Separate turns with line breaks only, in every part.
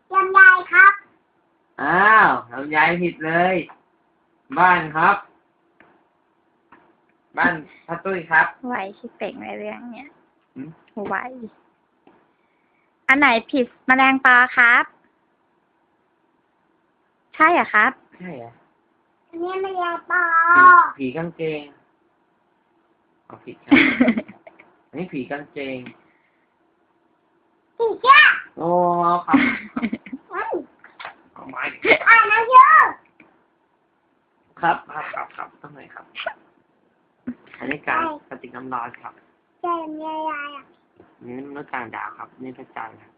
ลำไยครับ
อ้าวลำไยผิดเลย บ้านครับ บ้านพ่อตุ้ยครับ
ไหวชิเป่งในเรื่องเนี้ย
หืม
ไหวอันไหนผิดแมลงปอครับ ใช่เหรอครับ
ใช่เหรอ
อันนี้ไม่ยาปอ
ผีกางเกงเอาผิดครับ อันนี้ผีกางเกง
ผีเจ้า
โอ้ครับ
เฮ้ย
เอาไม้
อ่านหนังสือ
ครับทำไมครับ อันนี้การปฏิกรรมร้อนครับ
เจมยายอ่ะ
นี่มนุษย์ต่างดาวครับ นี่พระจันทร์ครับ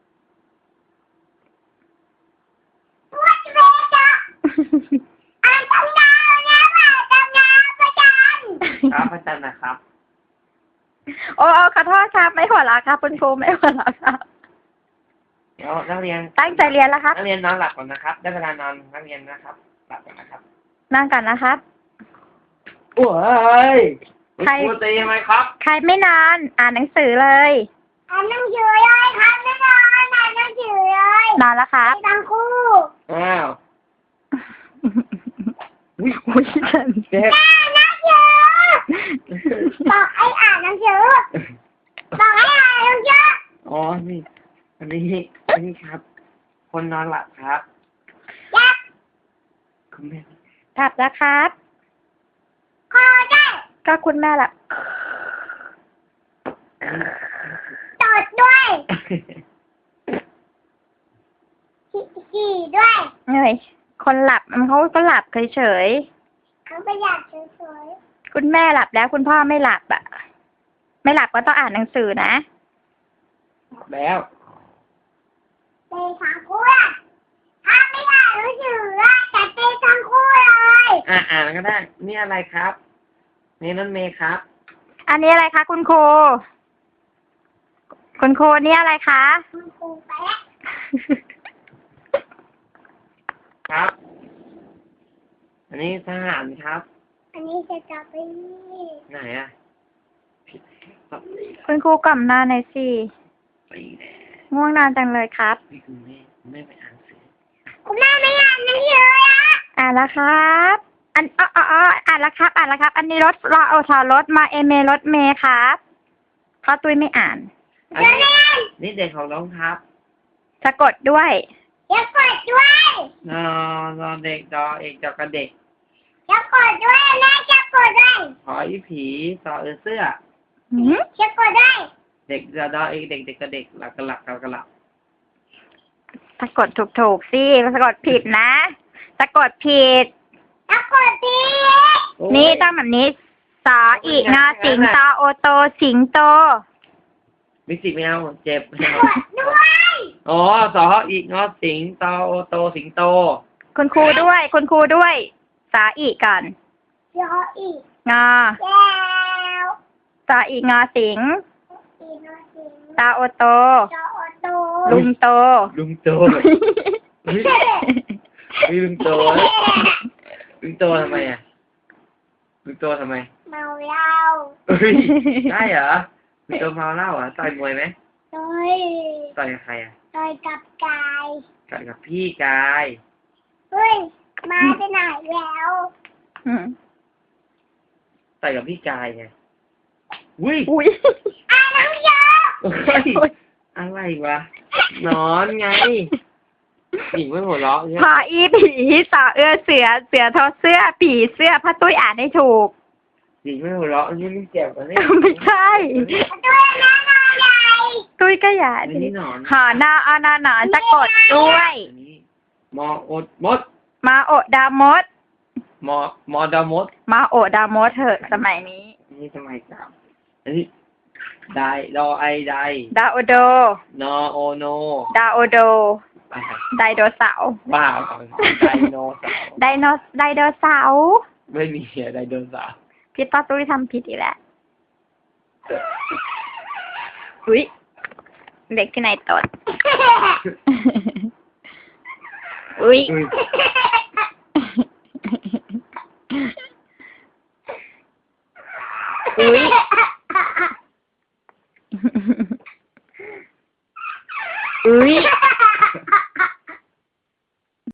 วัดเวจ้ะอ่านตำนานนะว่าตำนานประจัน
ครับพระจันทร์นะครับ
โอ้ขอโทษครับ ไม่หัวเราะครับคุณครูไม่หัวเราะครับ
เดี๋ยวนักเรียน
ตั้งใจเรียนแล้วครับ
นักเรียนนอนหลับก่อนนะครับ ได้เวลานอนนักเรียนนะครับ หลับก่อนนะครับ
นั่งกันนะครับ
โอ้ย
ใคร
ครูตีไหมครับ
ใครไม่นอนอ่านหนังสือเลย
อ่านหนังสือเลยครับไม่นอนอ่านหนังสือเลย
นอนแล้วครับ
ไปทั้งคู่
อ้าวอุ้ย
อุ้ยฉัน
เจ็บ
อ่านหนังสือบอกให้อ่านหนังสือบอกให้อ่านหนังสือ
อ๋อ นี่ อันนี้ครับ คนนอนหลับครับ
ยัก
คุณแม่
กลับแล้วครับ
คอได้
ก็คุณแม่ละ
ตดด้วยขี่ด้วย
เอ้ยคนหลับเขาก็หลับเฉย
เขาประหยัดสวย
ๆคุณแม่หลับแล้วคุณพ่อไม่หลับอ่ะ ไม่หลับก็ต้องอ่านหนังสือนะ
แล้ว
ๆเตะทั้งคู่อะถ้าไม่อ่านหนังสืออะจะเตะทั้งคู่เลย
อ่านก็ได้ นี่อะไรครับ นี่รถเมย์ครับ
อันนี้อะไรคะคุณครู คุณครูนี่อะไรคะ
คุณครูแป๊ะ
ครับ อันนี้ทหารครับ
อันนี้จะกลับไป
ไหนอ่ะผิดครับ
คุณครูกล่อมนอนหน่อยสิ
ตีแน่
ง่วงนอนจังเลยครับ
นี่คุณแม่ไปอ่านหนังสือ
คุณแม่ไม่อ่านหนังสืออะ
อ่านแล้วครับ อ่านแล้วครับ อ่านแล้วครับ อันนี้รถรอโอทอรถมาเอเมรถเมย์ครับเพราะตุ้ยไม่อ่าน
อัน
เดี๋ยว
นี้
เล่น
นี่เด็กของน้องครับ
สะกดด้วย
อย่ากดด้วย
นอนเด็กดอเอกดอกกระเด็ก
อย่ากดด้วยแม่จะกดด้วย
หออีผีสอเสื้อ
หืม
จะกดด้วย
เด็กดอเอกเด็กกระเด็กหลักกระหลักกระหลัก
สะกดถูกสิสะกดผิดนะสะกดผิด
จะกดดี
นี่ต้องแบบนี้สออีกงอสิงตอโอโตสิงโต
มิสิไม่เอาเจ็บ
กดด้วย
อ๋อสออีกงอสิงตอโอโตสิงโต
คุณครูด้วย คุณครูด้วยสออีกก่อน
เดี๋ยวอีก
งอ
แล้ว
สออีกงอสิง
อีกหน่อยสิ
ตาโอโต
จะอดโต
ลุงโต
ลุงโตเฮ้ยลุงโตลุงโตทำไมอ่ะลุงโตทำไม
เมาเหล้า
เฮ้ยได้เหรอลุงโตเมาเหล้าเหรอต่อยมวยไหม
ต่อย
ต่อยกับใครอ่ะ
ต่อยกับกาย
ต่อยกับพี่กาย
เฮ้ยมาไปไหนแล้ว
อืม
ต่อยกับพี่กายไงอุ้ย
อุ้ย
อ่านหนังสือ
เฮ้ยอะไรวะนอนไงหญิงไม่หัวเราะเนี่ย
พออีผีสอเอื้อเสือเสือทอเสื้อผีเสื้อพระตุ้ยอ่านให้ถูก
หญิงไม่หัวเราะนี่ไม่เจ็บกว่านี่
ไม่ใช่
ด้วยนะนายใหญ่
ตุ้ยก็อย่า
อัน
ดิ
นี้หนอน
หอนออนอนอนสะกดด้วย
อันนี้มออดมด
มาโอดามด
มอดามด
มาโอดามดเถอะสมัยนี้
อันนี้ทำไมครับอันนี้ไดดอไอได
ดาโอโด
นอโอโน
ดาโอโด
อ่ะ
ไดโดเสาร์
บ้าไดโนเสาร์
ไดโดเสาร์
ไม่มีไดโนเสาร์
พี่ป้าตุ้ยทำผิดอีกแล้วอุ้ยเด็กที่ไหนตด อุ้ย
อุ้ย
อุ้ย อุ้ย